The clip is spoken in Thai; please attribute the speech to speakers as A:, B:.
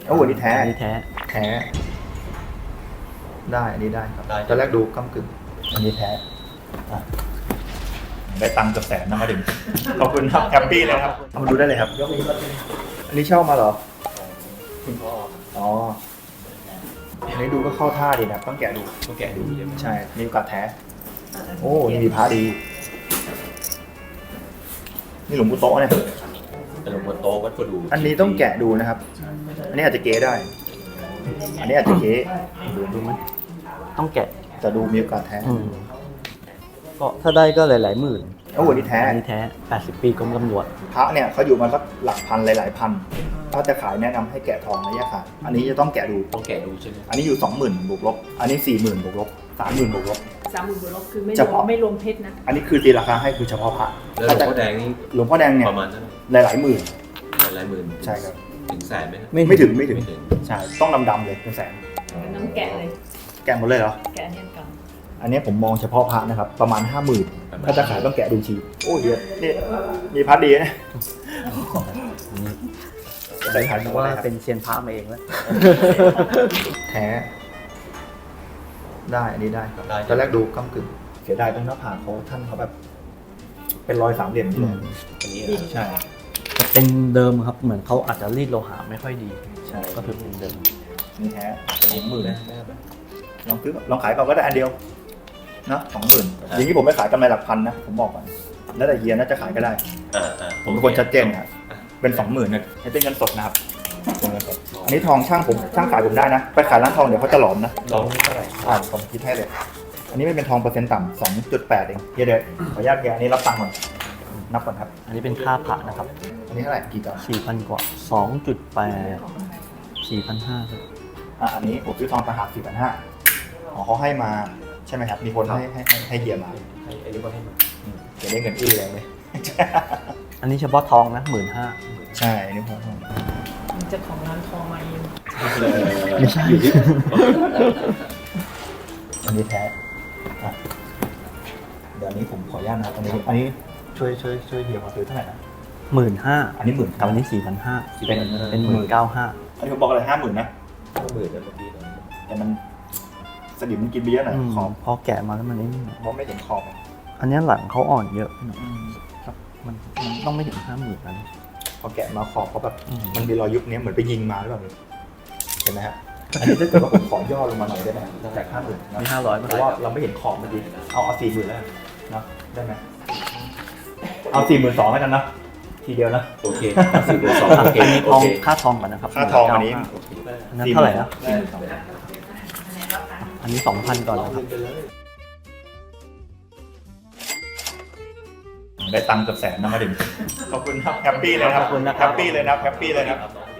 A: โอ้โหนี่แท้
B: อันนี้แท้
A: แท้ได้อันนี้ได้ครับ
C: ได้
A: ตอนแรกดูก้ำกึ่งอันนี้แท้อ่ะได้ตังค์กับแสนนะมาถึงขอบคุณครับแฮปปี้เลยครับเอามาดูได้เลยครับอันนี้เช่ามาเหรอ
C: คุณพ่อ
A: อ๋ออันนี้ดูก็เข้าท่าดีนะต้องแกะดู
C: ต้องแกะดูใช่ไหม
A: ใช่มีโอกาสแท้โอ้นี่มีพระดีนี่หลวงปู่โตะเนี่ย
C: เป็นหลวงพ่อโตวัดประดู
A: อันนี้ต้องแกะดูนะครับ อันนี้อาจจะเก๊ได้ อันนี้อาจจะเก๊ดูมั้ย
B: ต้องแกะ
A: แต่ดูมีโอกาสแท้
B: ก็ถ้าได้ก็หลายๆหมื่น
A: โอ้โหนี่แท้
B: อันนี้แท้ 80 ปีกรมตำรวจ
A: พระเนี่ยเขาอยู่มาสักหลักพันหลายๆพันถ้าจะขายแนะนำให้แกะทองนะยะค่ะอันนี้จะต้องแกะดู
C: ต้องแกะดูใช่ไหม
A: อันนี้อยู่ 20,000บวกลบอันนี้ 40,000บวกลบ30,000บวกลบ
D: 30,000 บวกลบคือไม่
A: เฉ
D: รว
A: พาะ
D: มไม่รวมเพชรนะ
A: อันนี้คือตีราคาให้คือเฉพาะพระ
C: แล้วหลวงพ่อแดงนี่
A: หลวงพ่อแดงเนี่ย
C: ประมาณเท่าไหร่
A: หลายๆหมื่น
C: หลายหมื่น
A: ใช่ครับ
C: ถึงแสนไหมครับ
A: ไม่ถึง
C: ไม่ถึง
A: ใช่ต้องดำๆเลยเป็นแสน
D: น้องแกะเลย
A: แกะหมดเลยเหรอ
D: แกะเนี่ยก่อน
A: อันนี้ผมมองเฉพาะพระนะครับประมาณ 50,000ถ้าจะขายต้องแกะดูชีโอ้เดี๋ยวนี่มีพระดีนะ
B: ใส่ขายว่าเป็นเซียนพระมาเองแล้ว
A: แท้ได้อันนี้ได้ครับ
C: ได้
A: ตอนแรกดูก้ำกึ่งเสียดายตรงหน้าผากเขาท่านเขาแบบ เป็นรอยสามเหลี่ยมอยู่เลย
C: อันนี้
A: ใช่
B: แต่เป็นเดิมครับ เหมือนเขาอาจจะรีดโลหะไม่ค่อยดี
A: ใช่
B: ก็ถือเป็นเดิม
A: นี่แท้
C: 20,000นะ
A: ลองซื้อลองขายก่อนก็ได้อันเดียวนะ20,000อย่างนี้ผมไม่ขายกำไรหลักพันนะผมบอกก่อนแล้วแต่เฮียน่าจะขายก็ได้ ผมเป็นคนชัดเจนครับเป็น20,000นะให้เป็นเงินสดนะครับเป็นเงินสดอันนี้ทองช่างขายผมได้นะไปขายร้านทองเดี๋ยวเขาจะหลอมนะ
C: ลองเท่าไหร่
A: ผมคิดให้เลย อันนี้ไม่เป็นทองเปอร์เซ็นต์ต่ำ2.8เองเดี๋ยวขออนุญาตเฮียอันนี้รับตังค์ก่อนนับก่อนครับ
B: อันนี้เป็นค่าพระนะครับ
A: อันนี้เท่าไหร่กี่จาน
B: 4,000 กว่า 2.8 4,500ครับ
A: อันนี้ผมซื้อทองต่างหาก4,500อ๋อเขาให้มาใช่ไหมครับ มีคนให้เฮียมา
C: ให้อันนี้ก็ให้มา
A: เดี๋ยวได้เงินอื้อเลย
B: อันนี้เฉพาะทองนะ 15,000
A: ใช่อันนี้ผม
D: เจ้าของร้านทองมาเอง
B: ไม่ใช่
A: อันนี้แท้อ่ะเดี๋ยวอันนี้ผมขออนุญาตนะครับอันนี้ช่วยเฮียมาซื้อเท่าไหร่นะ
B: 15,000
A: อันนี้10,000
B: กับอันนี้ 4,500
A: เป็น
B: 19,500
A: อันนี้ผมบอกอะไร50,000นะ
C: 50,000นะเมื่อกี้นะ
A: แต่มันสนิมมันกินไปเยอะหน่อยขอบ
B: พอแกะมาแล้วมันนี่
A: มองไม่เห็นขอบ
B: อันนี้หลังเขาอ่อนเยอะหน่อยครับมันต้องไม่ถึง 50,000นั้น
A: พอแกะมาขอบเขาแบบ
B: อืม
A: มันมีรอยยุบเนี้ยเหมือนไปยิงมาหรือเปล่าเห็นไหมฮะอันนี้ถ้าเกิดว่าผมขอย่อลงมาหน่อยได้ไหมจาก50,000นะ
B: มี500
A: เพ
B: มา
A: ราะว่าเราไม่เห็นขอบเมื่อกี้เอา40,000แล้วกันเนาะได้ไหมเอา42,000แล้วกันนะทีเดียวนะ
C: โอเค40,000 โอเค
B: อันนี้
C: โอ
B: ทอง
C: เค
B: ค่าทองก่อนนะครับ
A: ค่าทองอันนี้
B: อันนั้นเท่าไหร่นะ
A: 42,000
B: อันนี้ 2,000 ก่อนนะครับ
A: ได้ตังค์กับแสนนะมาถึงขอบคุณครับแฮปปี้เลยครับ
B: ขอบคุณนะครับ
A: แฮปปี้เลยนะแฮปปี้เลยนะ